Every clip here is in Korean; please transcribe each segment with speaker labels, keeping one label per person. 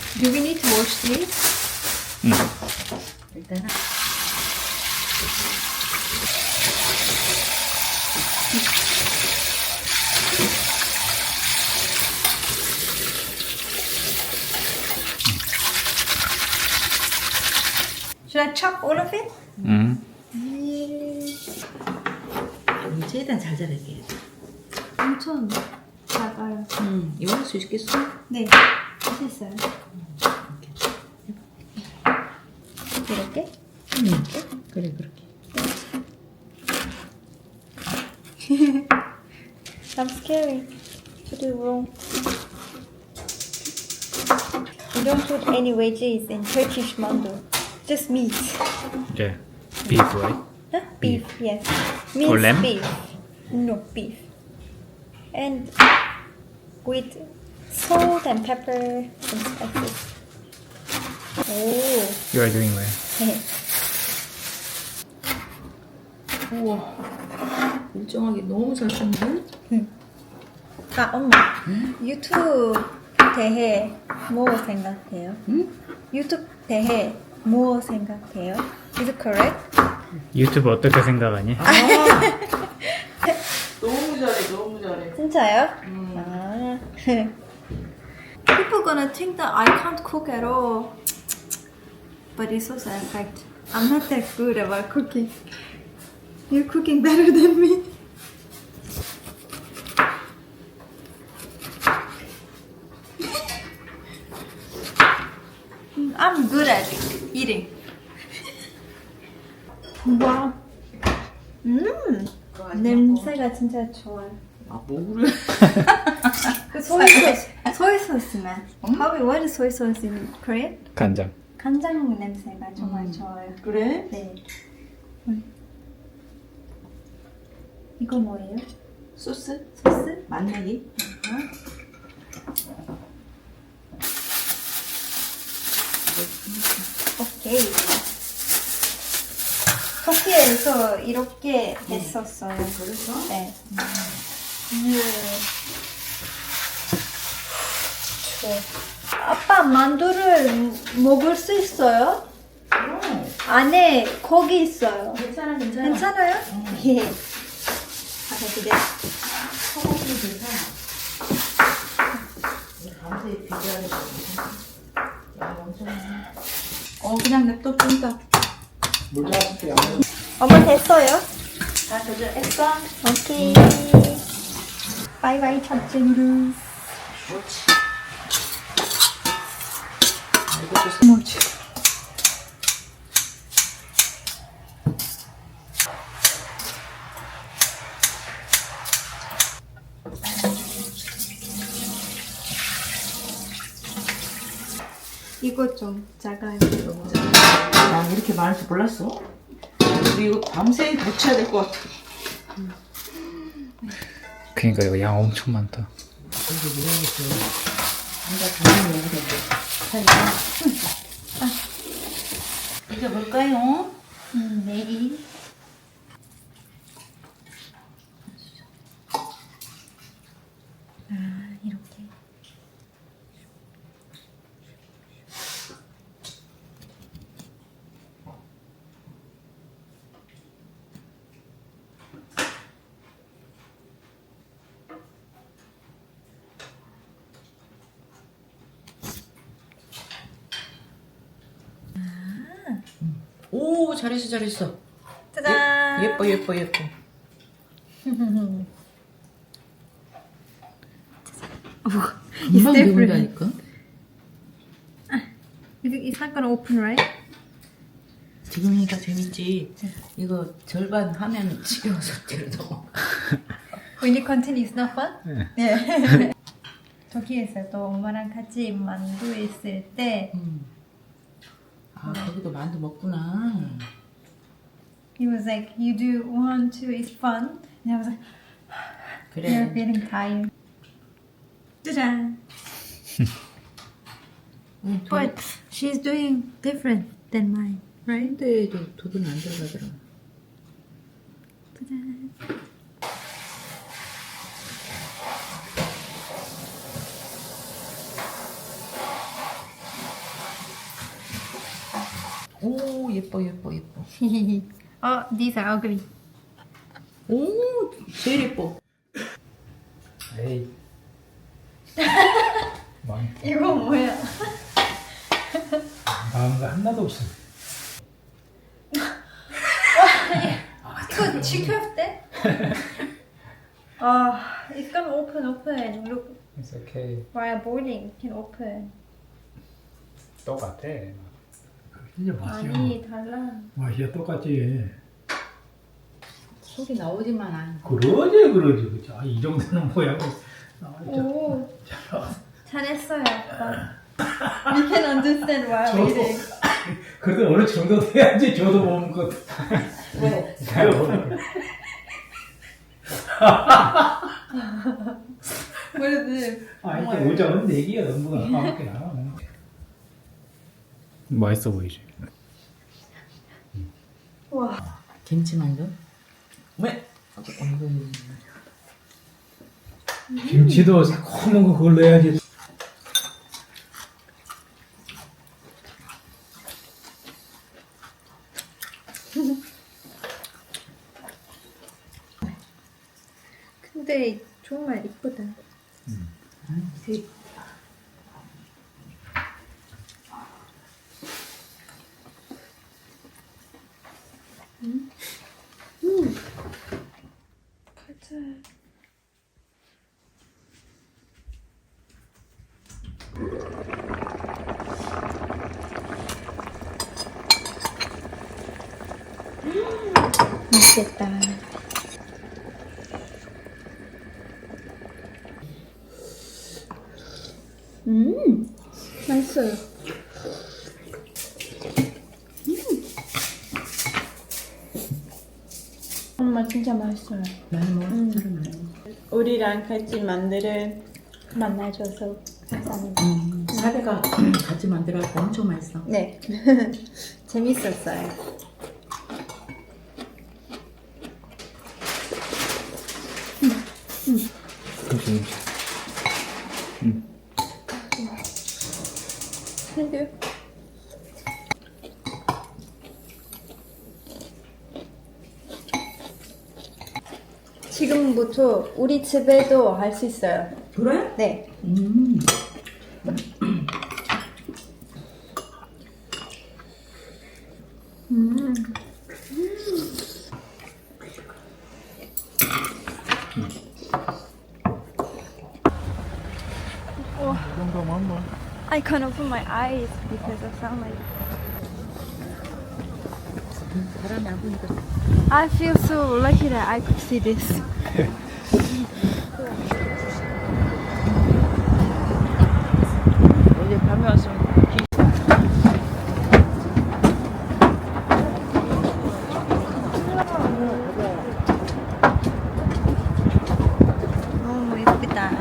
Speaker 1: Do we need to wash these?
Speaker 2: 일단은
Speaker 1: Should I chop all of it?
Speaker 2: 최대한 잘 자르게.
Speaker 1: 엄청 작아요.
Speaker 2: 이거 할 수 있겠어?
Speaker 1: 네, 됐어요. 이렇게?
Speaker 2: 그래 그렇게.
Speaker 1: I'm scary to do wrong. We don't put any veggies in Turkish mando. Just meat.
Speaker 3: Yeah. Beef, right?
Speaker 1: Huh? Beef, yes.
Speaker 3: Or
Speaker 1: Minced
Speaker 3: lamb?
Speaker 1: beef. No, beef. And with salt and pepper and spices. Oh.
Speaker 3: You are doing well.
Speaker 2: 우와. 일정하게 너무 잘 썼네.
Speaker 1: 아, 엄마. 유튜브 대해 뭐 생각해요?
Speaker 2: 응?
Speaker 1: 유튜브 대해 뭐 생각해요? Is it correct?
Speaker 3: 유튜브 어떻게 생각하니?
Speaker 2: 너무 잘해, 너무 잘해.
Speaker 1: 진짜요? 아. People gonna think that I can't cook at all. But it's also a fact. I'm not that good about cooking. You're cooking better than me. I'm good at eating. Wow. 냄새가 진짜 좋아요.
Speaker 2: 아, 뭐 그래?
Speaker 1: 그 소이 소스만. What is soy sauce in Korean?
Speaker 3: 간장.
Speaker 1: 간장 냄새가 정말 좋아요.
Speaker 2: 그래?
Speaker 1: 네. 이거 뭐예요?
Speaker 2: 소스?
Speaker 1: 소스?
Speaker 2: 맛내기?
Speaker 1: 오케이. 터키에서 이렇게 했었어요.
Speaker 2: 그래서?
Speaker 1: 네. 아빠 만두를 먹을 수 있어요? 안에 고기 있어요.
Speaker 2: 괜찮아, 괜찮아.
Speaker 1: 괜찮아요? 예. 아, 근데
Speaker 2: 소고기 괜찮아. 밤새 비벼야 돼. 야, 엄청 많아. 그냥 냅둬 좀 더.
Speaker 3: 물 잡을게요.
Speaker 1: 엄마 됐어요?
Speaker 2: 다 조절했어?
Speaker 1: 오케이. 바이바이 첫째누르.
Speaker 2: 그렇지.
Speaker 1: 뭐지? 이거 좀 작아요.
Speaker 2: 난 이렇게 많을 줄 몰랐어. 우리 이거 밤새 데쳐야 될 것 같아.
Speaker 3: 그러니까 이거 양 엄청 많다.
Speaker 2: 이제 뭘까요?
Speaker 1: 네. 아, 이렇게.
Speaker 2: 오, 잘했어, 잘했어.
Speaker 1: 짜잔.
Speaker 2: 예뻐. 금방 배운다니까.
Speaker 1: It's not gonna open, right?
Speaker 2: 지금이니까 재밌지. 이거 절반 하면 지겨워서 뒤로 넘어.
Speaker 1: When you continue, it's not fun? 네. 터키에서도 엄마랑 같이 만두 있을 때
Speaker 2: 아, 거기도 만두 먹구나.
Speaker 1: he was like, you do 1, 2, it's fun. And I was like, you're
Speaker 2: 그래.
Speaker 1: feeling tired. 짜잔. But she's doing different than mine, right?
Speaker 2: 근데도 도둑 안 들어가더라.
Speaker 1: 짜잔.
Speaker 2: 오 예뻐 예뻐 예뻐.
Speaker 1: Oh, these are ugly.
Speaker 2: 오 제일 예뻐.
Speaker 3: 에이. 많다.
Speaker 1: 이거 뭐야?
Speaker 3: 마음 거 하나도 없어.
Speaker 1: 이거 지켰대? It's gonna open. Look,
Speaker 3: It's okay.
Speaker 1: while boiling, it can open.
Speaker 3: 똑같아.
Speaker 4: 이제 맛이야.
Speaker 1: 아니, 달라.
Speaker 4: 맛이야 똑같지.
Speaker 2: 속이 나오지만 않아.
Speaker 4: 그러지. 그치. 아, 이 정도는 뭐야.
Speaker 1: 오, 잘했어요, 아빠. We can understand while
Speaker 4: 저도.
Speaker 1: eating.
Speaker 4: 그래도 어느 정도 돼야지 저도 못 먹고.
Speaker 2: 왜?
Speaker 1: What is this?
Speaker 4: 아, 이게 오자는 내기야. 너무가 까먹게 나와.
Speaker 3: 맛있어 보이지?
Speaker 1: 와,
Speaker 2: 김치만두? 왜? 어이구.
Speaker 4: 김치도 새콤한 거 그걸 넣어야지.
Speaker 1: 근데 정말 이쁘다. 가자. 맛있겠다. 맛있어요. 엄마 진짜 맛있어요.
Speaker 2: 많이 먹어. 사람 많이 먹어.
Speaker 1: 우리랑 같이 만드는 만나줘서 감사합니다.
Speaker 2: 사대가 같이 만들어서 엄청 맛있어.
Speaker 1: 네, 재밌었어요.
Speaker 3: 그치.
Speaker 1: Thank you. 지금부터 우리 집에도 할 수 있어요.
Speaker 2: 그래?
Speaker 1: 네. I can't open my eyes because of sunlight.
Speaker 2: 사람이 안 보니까.
Speaker 1: I feel so lucky that I could see this.
Speaker 2: 어제 밤에 와서
Speaker 1: 너무 예쁘다.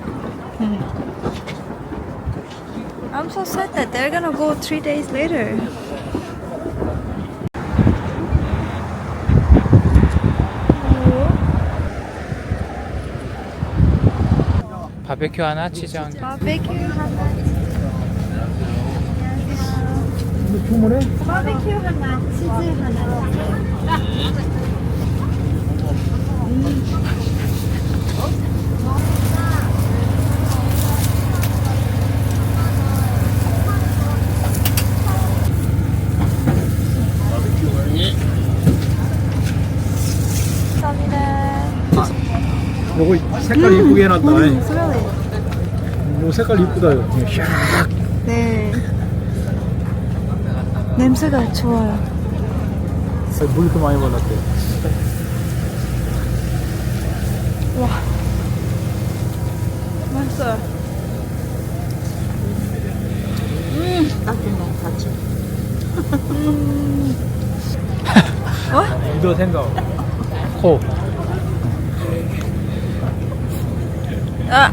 Speaker 1: I'm so sad that they're gonna go 3 days later.
Speaker 3: 바베큐 하나, 치즈 한 개.
Speaker 1: 바베큐 하나.
Speaker 4: 주문해?
Speaker 1: 바베큐 하나, 치즈 하나. 감사합니다.
Speaker 4: 요거 색깔 이쁘게 해놨다.
Speaker 1: 스멜리.
Speaker 4: 요 색깔 이쁘다. 요 샥.
Speaker 1: 네. 냄새가 좋아요.
Speaker 4: 물 이렇게 많이 발랐대.
Speaker 1: 와. 맛있어요.
Speaker 2: 딱히 너무 같이.
Speaker 4: 이도 생각. 코.
Speaker 1: 아.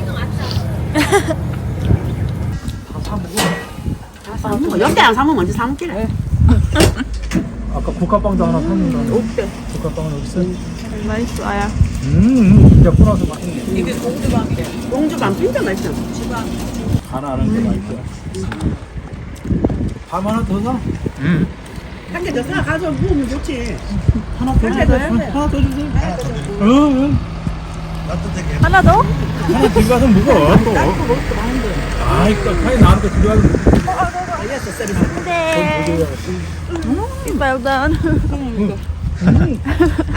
Speaker 2: 연대랑 사면 먼저 사 먹기래.
Speaker 4: 아까 국화빵도 하나 샀는데.
Speaker 2: 없대.
Speaker 4: 국화빵은 여기 있어.
Speaker 1: 맛있어요.
Speaker 4: 진짜 뿌나서 맛있네.
Speaker 2: 이게 공주밤 진짜 맛있어.
Speaker 4: 하나 안 하는 게 맛있어. 밥 하나 더 사.
Speaker 5: 한 개 더 사 가서 먹으면 좋지.
Speaker 4: 하나 더 주세요. 하나 더 주세요. 응.
Speaker 1: 하나 더?
Speaker 4: 하나 들고 가서 먹어. 또. 아이, 빨리 나한테 들고 가서 먹어.
Speaker 1: 네. Well done.